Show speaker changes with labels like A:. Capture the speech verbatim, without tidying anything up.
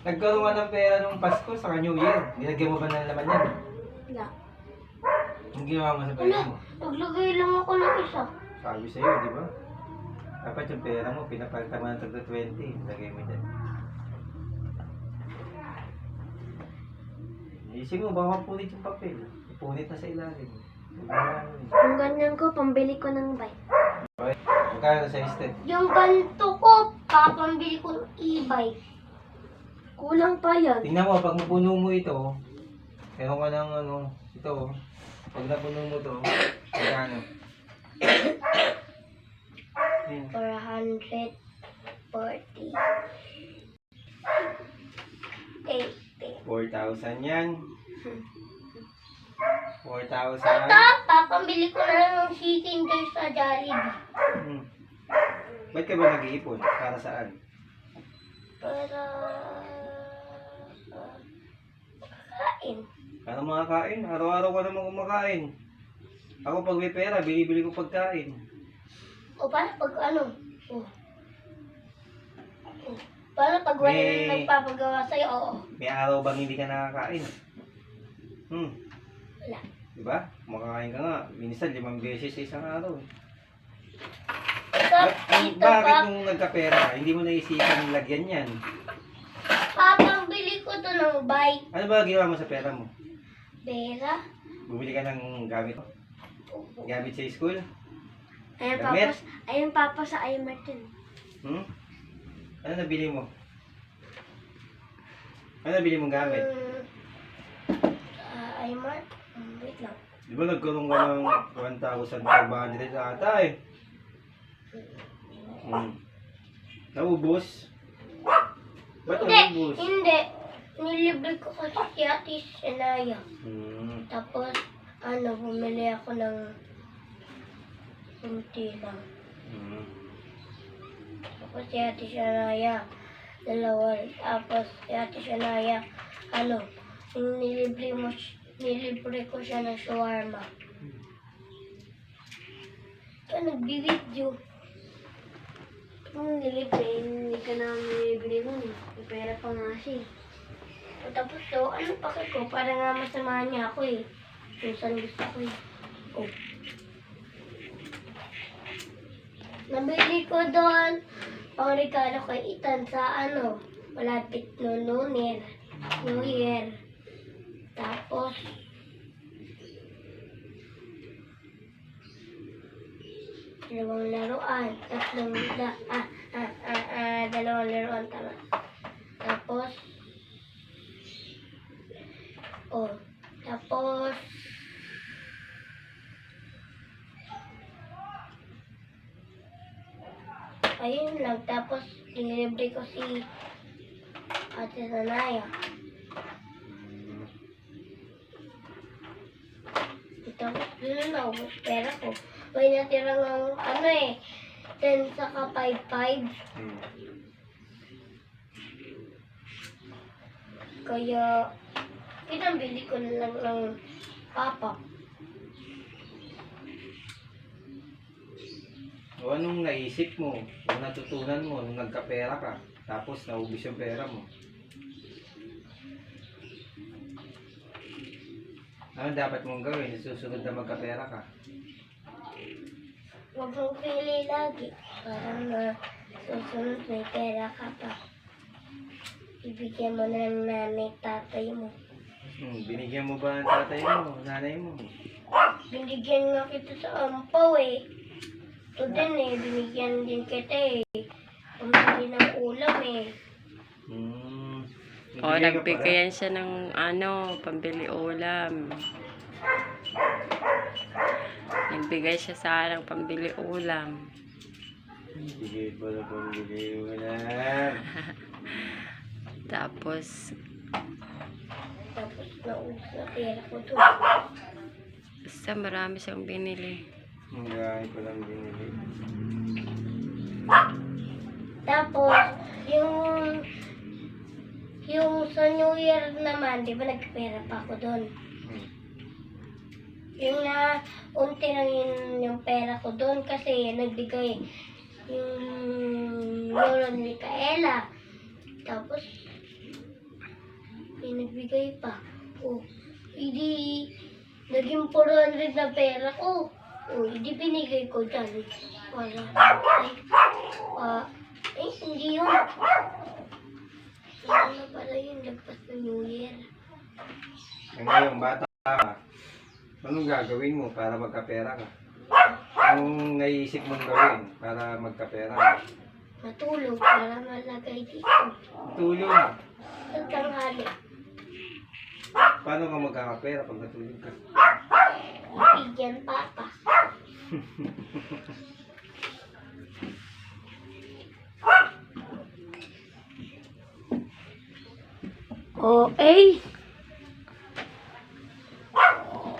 A: Nagkaroon ka ng pera nung Pasko sa New Year. Nilagyan mo ba ng laman yan?
B: Wala.
A: Ang ginawa mo sa pera mo?
B: Naglagay lang ako ng isa.
A: Sabi sa'yo, di ba? Dapat yung pera mo, pinapalitan mo ng tagda twenty. Lagay mo dyan. Isip mo, baka mapunit yung papel. Punit na sa ilalim.
B: Kung ganyan ko, pambili ko ng bike.
A: Okay. Magkano sa estate?
B: Yung ganito ko, papambili ko ng e-bike. Kulang pa yan.
A: Tingnan mo, pag napuno mo ito, meron ka ng ano, ito, pag napuno mo ito, magkano? Hmm.
B: four hundred forty. eighty.
A: four thousand yan. four thousand.
B: Ito, papambili ko na ng chicken joy sa Jollibee.
A: Hmm. Ba't ka ba nag-iipon? Para saan?
B: Para... kain.
A: Para makakain. Araw-araw ka naman kumakain. Ako pag may pera, binibili ko pagkain.
B: O para pag ano? O. O. Para pag wala
A: May-
B: nang nagpapagawa sa'yo, oo.
A: May araw bang hindi ka nakakain? Hmm.
B: Wala.
A: Diba? Kumakain ka nga. Minsan, limang beses sa isang araw. eh.
B: Ito,
A: Ba-
B: ito
A: bakit
B: pa,
A: nung nagkapera ka, hindi mo naisipan lagyan yan?
B: papambili ko to ng bike.
A: Ano ba ginawa mo sa pera mo?
B: Pera.
A: Bumili ka ng gamit? Gamit sa school?
B: Ayun
A: Damit?
B: papa, ayun papa sa I Martin.
A: Hmm? Ano nabili mo? Ano nabili mong gamit?
B: Um, sa I Mart, um, wait lang.
A: Di ba nagkaroon ka ng one thousand five hundred ata eh? Hmm. Naubos? Ba't
B: Hindi,
A: naubos?
B: hindi. Nilibre ko kasi si Ate Senaya.
A: Hmm.
B: Tapos, ano, bumili ako ng kunti lang.
A: Hmm.
B: Tapos si Ate Senaya, dalawa. Tapos si Ate Senaya, ano, nilibre mo, si- nilibre ko siya ng shawarma. Ito, nagbi-video. Kung nilibre, hindi ka na nilibre mo. May pera pa nga siya. O, tapos so, ano pakit ko? Para nga masamahan niya ako eh. Kung saan gusto ko eh. Oh. Nabili ko doon pang regalo kay Ethan sa ano, malapit no New Year. New Year. Tapos, dalawang laruan. Tatlong, da, ah, ah, ah, ah, dalawang laruan, tama. Tapos, oh, tapos, ayun lang. Tapos, dinilibre ko si Ate Sanaya. Tapos, yun na, ubos pera ko. May natira ng, ano eh, ten saka five five.
A: Hmm.
B: Kaya, pinambili ko na lang ng papa.
A: O anong naisip mo? O natutunan mo nung nagkapera ka? Tapos naubos yung pera mo? Ano dapat mong gawin? Susunod na magkapera ka?
B: Huwag mong pili lagi. Para na susunod may pera ka pa. Ibigyan mo na ng nanay, tatay mo.
A: Hmm, binigyan mo ba ang tatay mo, nanay mo?
B: Binigyan nga kita sa ampaw eh. Ito din eh, binigyan din kita eh. Pumili ng ulam eh.
A: Hmm.
C: O, nagbigayan siya ng ano, pambili ulam. Nagbigay siya sa akin ng pambili ulam.
A: Sige pala pambili mo na.
C: Tapos,
B: Tapos naubos na pera ko to.
C: basta marami siyang binili.
A: Ang gaya ko lang binili.
B: Tapos, yung yung sa New Year naman, di ba nagpera pa ako doon?
A: Hmm.
B: Yung na, unti lang yun yung pera ko doon kasi nagbigay yung lolo ni Micaela. Tapos, nagbigay pa. O, hindi, naging four hundred na pera ko. O, hindi binigay ko dyan. Para, ay, pa, eh, hindi yun. Ano na pala yun, lagpas na New Year.
A: Eh, ngayon, bata ka. Anong gagawin mo para magkapera ka? Anong naisip mong gawin para magkapera ka?
B: Matulog para malagay dito.
A: Tulong.
B: Sa tanghali,
A: Paano ka magkakapera pag natulog ka?
B: bigyan papa. O, eh,